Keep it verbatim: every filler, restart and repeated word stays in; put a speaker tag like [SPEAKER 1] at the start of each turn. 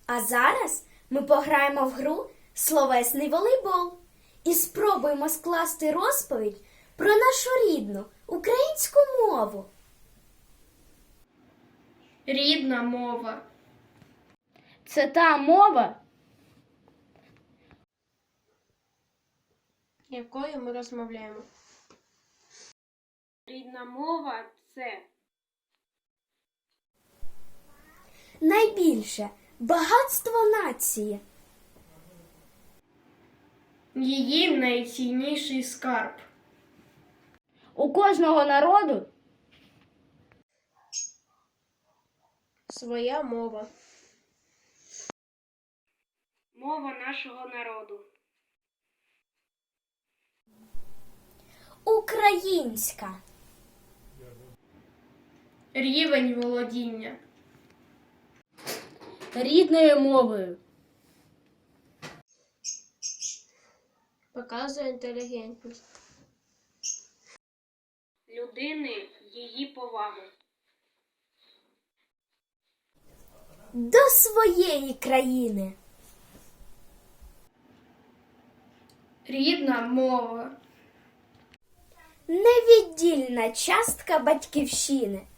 [SPEAKER 1] А зараз ми пограємо в гру «Словесний волейбол» і спробуємо скласти розповідь про нашу рідну українську мову.
[SPEAKER 2] Рідна мова.
[SPEAKER 3] Це та мова,
[SPEAKER 2] Якою ми розмовляємо. Рідна мова – це
[SPEAKER 1] Найбільше багатство нації.
[SPEAKER 2] її найцінніший скарб.
[SPEAKER 3] у кожного народу
[SPEAKER 2] Своя мова. Мова нашого народу.
[SPEAKER 1] Українська.
[SPEAKER 2] Рівень володіння.
[SPEAKER 3] рідною мовою.
[SPEAKER 2] Показує інтелігентність. Людини її повагу.
[SPEAKER 1] До своєї країни.
[SPEAKER 2] Рідна мова.
[SPEAKER 1] Невіддільна частка батьківщини.